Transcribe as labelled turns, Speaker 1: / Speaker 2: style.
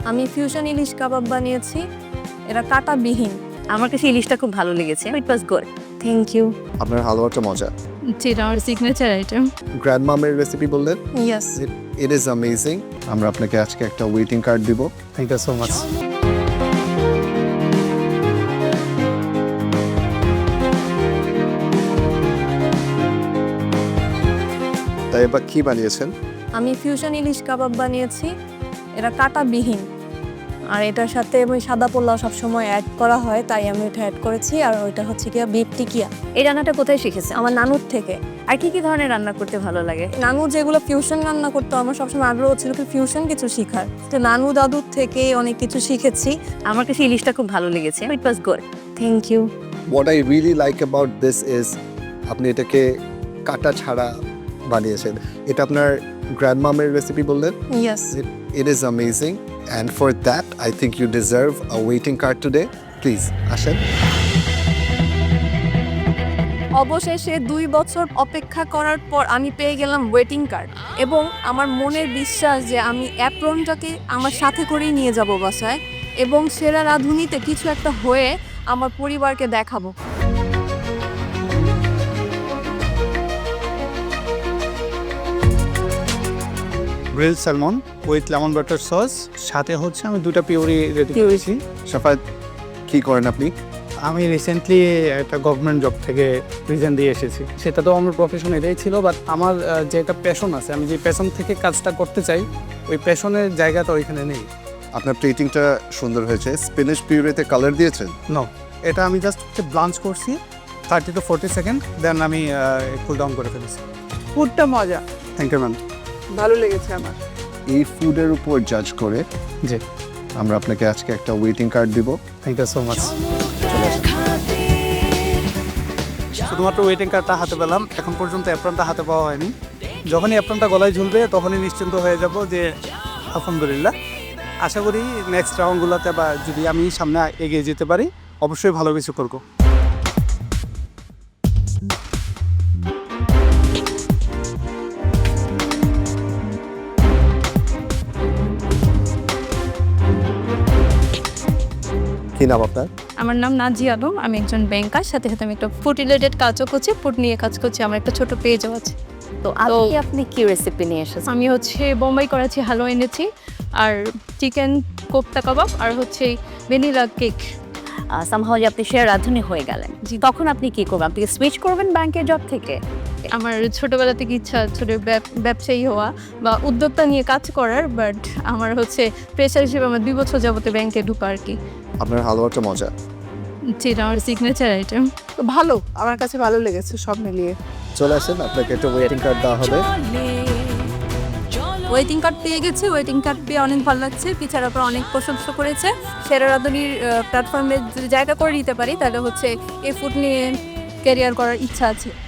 Speaker 1: আমি ফিউশন ইলিশ কাবাব বানিয়েছি, এটা কাটাবিহীন।
Speaker 2: আমার কাছে ইলিশটা খুব ভালো লেগেছে, it was good.
Speaker 1: Thank you.
Speaker 3: আপনার হালুয়াটা মজা।
Speaker 4: যেটা আমার সিগনেচার আইটেম।
Speaker 3: গ্র্যান্ডমামের রেসিপি বললেন,
Speaker 1: ইয়েস।
Speaker 3: It is amazing. আমরা আপনাকে আজকে একটা ওয়েটিং কার্ড দিব।
Speaker 5: Thank you so much.
Speaker 3: তাই এবার কি বানিয়েছেন?
Speaker 1: আমি ফিউশন ইলিশ কাবাব বানিয়েছি, এটা কাটাবিহীন। আর এটার সাথে ওই সাদা পোলাও সবসময় অ্যাড করা হয়, তাই আমি এটা অ্যাড করেছি। আর ওইটা হচ্ছে কি বিফ টিকিয়া,
Speaker 2: এই রান্নাটা কোথায় শিখেছে?
Speaker 1: আমার নানুর থেকে।
Speaker 2: আর কি কি ধরনের রান্না করতে ভালো লাগে?
Speaker 1: নানু যেগুলো ফিউশন রান্না করতো, আমার সবসময় আগ্রহ ছিল কি ফিউশন কিছু শেখার। তো নানু দাদুর থেকে অনেক কিছু শিখেছি।
Speaker 2: আমার কাছে ইলিশটা খুব ভালো লেগেছে, it was good.
Speaker 1: Thank you.
Speaker 3: What I really like about this is আপনি এটাকে কাটা ছাড়া বানিয়েছেন। এটা আপনার গ্র্যান্ডমামের রেসিপি বললেন,
Speaker 1: yes.
Speaker 3: It is amazing and for that I think you deserve a waiting card today. Please আসেন।
Speaker 1: অবশেষে 2 বছর অপেক্ষা করার পর আমি পেয়ে গেলাম ওয়েটিং কার্ড, এবং আমার মনের বিশ্বাস যে আমি অ্যাপ্রনটাকে আমার সাথে করেই নিয়ে যাব বাসায়, এবং সেরা রাঁধুনিতে কিছু একটা হয়ে আমার পরিবারকে দেখাবো।
Speaker 5: Grill salmon with lemon butter sauce, সাথে হচ্ছে আমি 2টা পিউরি রেডি করেছি।
Speaker 3: সাফাত, কি করেন আপনি?
Speaker 5: আমি রিসেন্টলি একটা গভর্নমেন্ট জব থেকে রিজাইন দিয়ে এসেছি। সেটা তো আমার প্রফেশন এটাই ছিল, বাট আমার যে একটা প্যাশন আছে, আমি যে প্যাশন থেকে কাজটা করতে চাই, ওই প্যাশনের জায়গাটা ওইখানে নেই।
Speaker 3: আপনার প্লেটিংটা সুন্দর হয়েছে। স্পিনিশ পিউরিতে কালার দিয়েছেন?
Speaker 5: নো, এটা আমি জাস্ট ব্লাঞ্চ করছি 30 to 40 সেকেন্ড, দেন আমি কুল ডাউন করে ফেলেছি।
Speaker 6: ফুডটা মজা,
Speaker 5: থ্যাংক ইউ ম্যাম।
Speaker 6: ভালো লেগেছে আমার।
Speaker 3: এই ফুডের উপর জাজ করে
Speaker 5: জি,
Speaker 3: আমরা আপনাকে আজকে একটা ওয়েটিং কার্ড দিব।
Speaker 5: Thank you so much. শুধুমাত্র ওয়েটিং কার্ডটা হাতে পেলাম, এখন পর্যন্ত অ্যাপ্রনটা হাতে পাওয়া হয়নি। যখনই অ্যাপ্রনটা গলায় ঝুলবে তখনই নিশ্চিন্ত হয়ে যাব যে আলহামদুলিল্লাহ। আশা করি নেক্সট রাউন্ডগুলোতে বা যদি আমি সামনে এগিয়ে যেতে পারি, অবশ্যই ভালো কিছু করবো।
Speaker 3: কি নাম আপনার?
Speaker 4: আমার নাম নাজিয়া আলম, আমি একজন ব্যাংকার, সাথে সাথে আমি একটা ফুড রিলেটেড কাজও করছি, ফুড নিয়ে কাজ করছি, আমার একটা ছোট পেজও আছে।
Speaker 2: তো আজকে আপনি কি রেসিপি নিয়ে এসেছেন?
Speaker 4: আমি হচ্ছে বোম্বাই করাচি হালুয়া এনেছি, আর চিকেন কোপ্তা কাবাব, আর হচ্ছে ভ্যানিলা কেক।
Speaker 2: সামহাও যে আপনি শেয়ার রাঁধুনি হয়ে গেলেন, তখন আপনি কি করবেন? আপনি সুইচ করবেন ব্যাংকের জব থেকে?
Speaker 4: আমার ছোটবেলা থেকে ইচ্ছা ছোট ব্যবসায়ী হওয়া বা উদ্যোক্তা নিয়ে কাজ করার, বাট আমার হচ্ছে প্রেশার হিসেবে আমার 2 বছর যাবতে ব্যাংকে ঢুকা আর কি।
Speaker 3: আপনার হালুয়াটা মজা।
Speaker 4: যেটা আমার সিগনেচার আইটেম।
Speaker 6: তো ভালো, আমার কাছে ভালো লেগেছে সব মিলিয়ে।
Speaker 3: চলে আসেন, আপনাকে একটা ওয়েটিং কার্ড দেওয়া হবে।
Speaker 1: ওয়েটিং কার্ড পেয়ে গেছি, ওয়েটিং কার্ড পেয়ে অনেক ভালো লাগছে। পিছার পর অনেক প্রশংসা করেছে। সেরা রাঁধুনির প্ল্যাটফর্মে যদি জায়গা করে নিতে পারি, তাহলে হচ্ছে এই ফুড নিয়ে ক্যারিয়ার করার ইচ্ছা আছে।